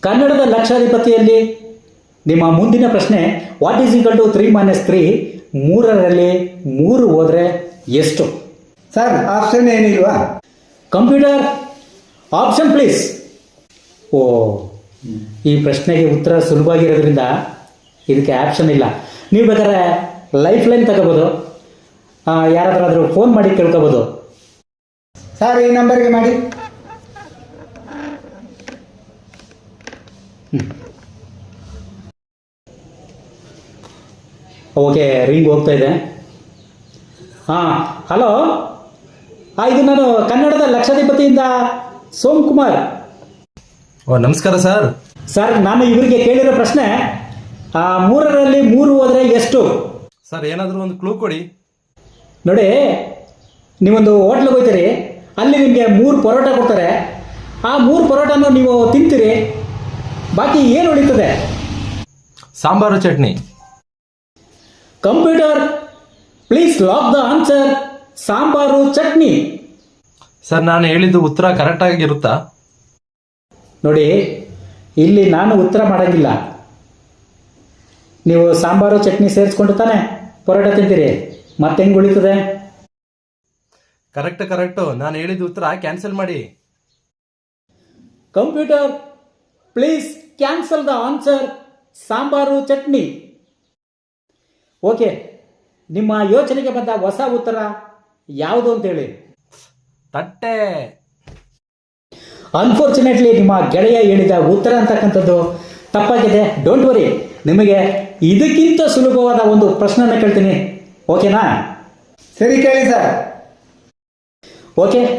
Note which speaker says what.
Speaker 1: ಕನ್ನಡದ ಲಕ್ಷಾಧಿಪತಿಯಲ್ಲಿ ನಿಮ್ಮ ಮುಂದಿನ ಪ್ರಶ್ನೆ ವಾಟ್ ಈಸ್ ಈಕ್ವಲ್ ಟು 3 - 3 ಮೂರರಲ್ಲಿ 3 ಹೋದರೆ ಎಷ್ಟು?
Speaker 2: ಸರ್ ಆಪ್ಷನ್ ಏನಿಲ್ವಾ?
Speaker 1: Computer option please. ಓ, ಈ ಪ್ರಶ್ನೆಗೆ ಉತ್ತರ ಸುಲಭವಾಗಿರೋದ್ರಿಂದ ಇದಕ್ಕೆ ಆಪ್ಷನ್ ಇಲ್ಲ. ನೀವು ಬೇಕಾದ್ರೆ ಲೈಫ್ ಲೈನ್ ತಗೋಬೋದು, ಯಾರಾದ್ರೂ ಫೋನ್ ಮಾಡಿ ಕೇಳ್ಕೋಬೋದು.
Speaker 2: ಸರ್ ಈ ನಂಬರ್ಗೆ ಮಾಡಿ.
Speaker 1: ಓಕೆ, ರಿಂಗ್ ಹೋಗ್ತಾ ಇದೆ. ಹಲೋ, ಇದು ನಾನು ಕನ್ನಡದ ಲಕ್ಷಾಧಿಪತಿಯಿಂದ ಸೋಮಕುಮಾರ್.
Speaker 3: ನಮಸ್ಕಾರ ಸರ್.
Speaker 1: ಸರ್, ನಾನು ಇವರಿಗೆ ಕೇಳಿರೋ ಪ್ರಶ್ನೆ 3ರಲ್ಲಿ 3 ಹೋದರೆ ಎಷ್ಟು?
Speaker 3: ಸರ್ ಏನಾದರೂ ಒಂದು ಕ್ಲೂ ಕೊಡಿ.
Speaker 1: ನೋಡಿ, ನೀವೊಂದು ಹೋಟ್ಲಿಗೆ ಹೋಗ್ತೀರಿ, ಅಲ್ಲಿ ನಿಮಗೆ 3 ಪರೋಟ ಕೊಡ್ತಾರೆ. ಆ 3 ಪರೋಟನೂ ನೀವು ತಿಂತೀರಿ, ಬಾಕಿ ಏನು ಉಳಿತದೆ?
Speaker 3: Sambar chutney.
Speaker 1: Computer please lock the answer. Sambar chutney.
Speaker 3: Sir ನಾನು ಹೇಳಿದ್ದು ಉತ್ತರ ಕರೆಕ್ಟ್ ಆಗಿರುತ್ತಾ?
Speaker 1: ನೋಡಿ, ಇಲ್ಲಿ ನಾನು ಉತ್ತರ ಮಾಡೋಂಗಿಲ್ಲ. ನೀವು ಸಾಂಬಾರು ಚಟ್ನಿ ಸೇರಿಸ್ಕೊಂಡು ತಾನೆ ಪರೋಟ ತಿಂತೀರಿ, ಮತ್ತೆ ಹೆಂಗೆ ಉಳಿತದೆ?
Speaker 3: ಕರೆಕ್ಟು. ನಾನು ಹೇಳಿದ ಉತ್ತರ ಕ್ಯಾನ್ಸಲ್ ಮಾಡಿ.
Speaker 1: Computer please cancel the answer. Sambar chutney. Okay, ನಿಮ್ಮ ಯೋಚನೆಗೆ ಬಂದ ಹೊಸ ಉತ್ತರ ಯಾವುದು ಅಂತೇಳಿ.
Speaker 3: ತಟ್ಟೆ.
Speaker 1: ಅನ್ಫಾರ್ಚುನೇಟ್ಲಿ ನಿಮ್ಮ ಗೆಳೆಯ ಹೇಳಿದ ಉತ್ತರ ಅಂತಕ್ಕಂಥದ್ದು ತಪ್ಪಾಗಿದೆ. ಡೋಂಟ್ ವರಿ, ನಿಮಗೆ ಇದಕ್ಕಿಂತ ಸುಲಭವಾದ ಒಂದು ಪ್ರಶ್ನೆನ ಕೇಳ್ತೀನಿ, ಓಕೆನಾ?
Speaker 2: ಸರಿ ಕೇಳಿ ಸರ್.
Speaker 1: ಓಕೆ.